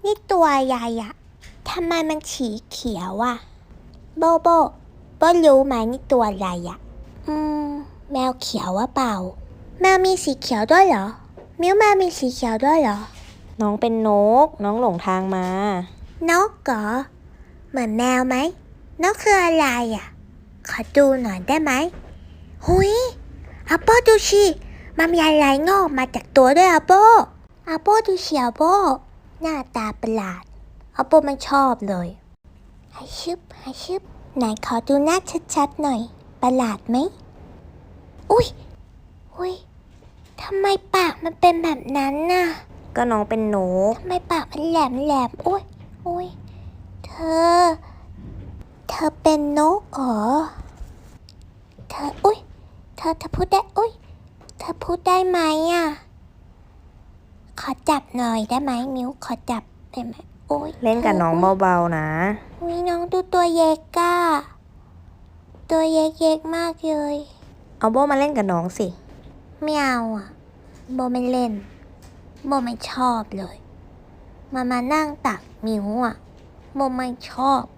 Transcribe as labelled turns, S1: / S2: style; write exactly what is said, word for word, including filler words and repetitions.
S1: นี่ตัวใหญ่อะทำไมมันสีเขียวอะโบโบโบรู้ไหมนี่ตัวอะไรอะอืมแมวเขียววะเปล่าแมวมีสีเขียวด้วยเหรอมิวแมวมีสีเขียวด้วยเหรอ
S2: น้องเป็นนกน้องหลงทางมาน
S1: กเหรอเหมือนแมวไหมนกคืออะไรอะขอดูหน่อยได้ไหมหุยอาโปดูสิมันมีอะไรงอกมาจากตัวด้วยอาโปอาโปดูสิอาโปหน้าตาประหลาดอาโปไม่ชอบเลยให้ชึบให้ชึบไหนขอดูหน้าชัดๆหน่อยประหลาดไหมอุ้ยอุ้ยทำไมปากมันเป็นแบบนั้นน่ะ
S2: ก็น้องเป็นนก
S1: ทำไมปากมันแหลมแหลมอุ้ยอุ้ยเธอเธอเป็นนกเหรอเธออุ้ยเธอเธอพูดได้อุ้ยเธอพูดได้ไหมอ่ะขอจับหน่อยได้ไหมมิวขอจับได้ไหมโอ้ย
S2: เล่นกับน้องเบาๆนะ
S1: อุ้ยน้องดูตัวเยกก้าตัวเยกเยกมากเลย
S2: เอาโบมาเล่นกับน้องสิ
S1: ไม่เอาอ่ะโบไม่เล่นโบไม่ชอบเลยมามานั่งตักมิวอ่ะโบไม่ชอบ